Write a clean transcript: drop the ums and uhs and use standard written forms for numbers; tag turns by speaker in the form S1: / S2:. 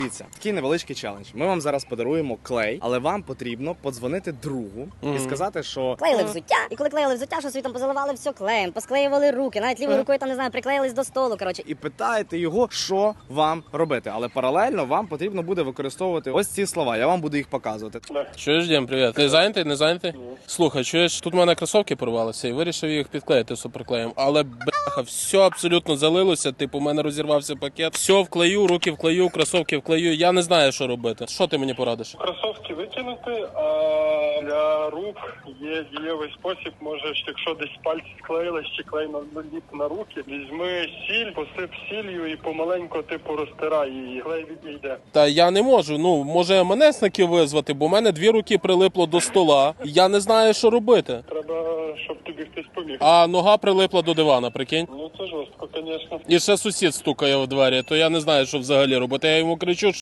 S1: Дивіться, такий невеличкий челендж. Ми вам зараз подаруємо клей, але вам потрібно подзвонити другу і сказати, що
S2: Клеїли взуття, і коли клеїли взуття, що собі там позаливали все клеєм, посклеювали руки, навіть лівою рукою там, не знаю, приклеїлись до столу, коротше.
S1: і питаєте його, що вам робити. Але паралельно вам потрібно буде використовувати ось ці слова. Я вам буду їх показувати.
S3: Чуєш, Дім, привіт. Ти зайнятий, не зайнятий? Слухай, чуєш, тут в мене кросовки порвалися і вирішив їх підклеїти суперклеєм. Але, бляха, все абсолютно залилося, типу, у мене розірвався пакет. Все вклею, руки вклею, кросовки вклею. Я не знаю, що робити. Що ти мені порадиш?
S4: Кросовки викинути, а для рук є дієвий спосіб. Можеш, якщо десь пальці склеїлись чи клей наліп на руки, візьми сіль, посип сіллю і помаленько типу розтирай її, клей відійде.
S3: Та я не можу, може МНСників визвати, бо в мене 2 руки прилипло до стола. Я не знаю, що робити.
S4: Треба, щоб тобі хтось поміг.
S3: А нога прилипла до дивана, прикинь?
S4: Ну це жорстко, звісно.
S3: І ще сусід стукає в двері, то я не знаю, що взагалі робити. Я йому кричу,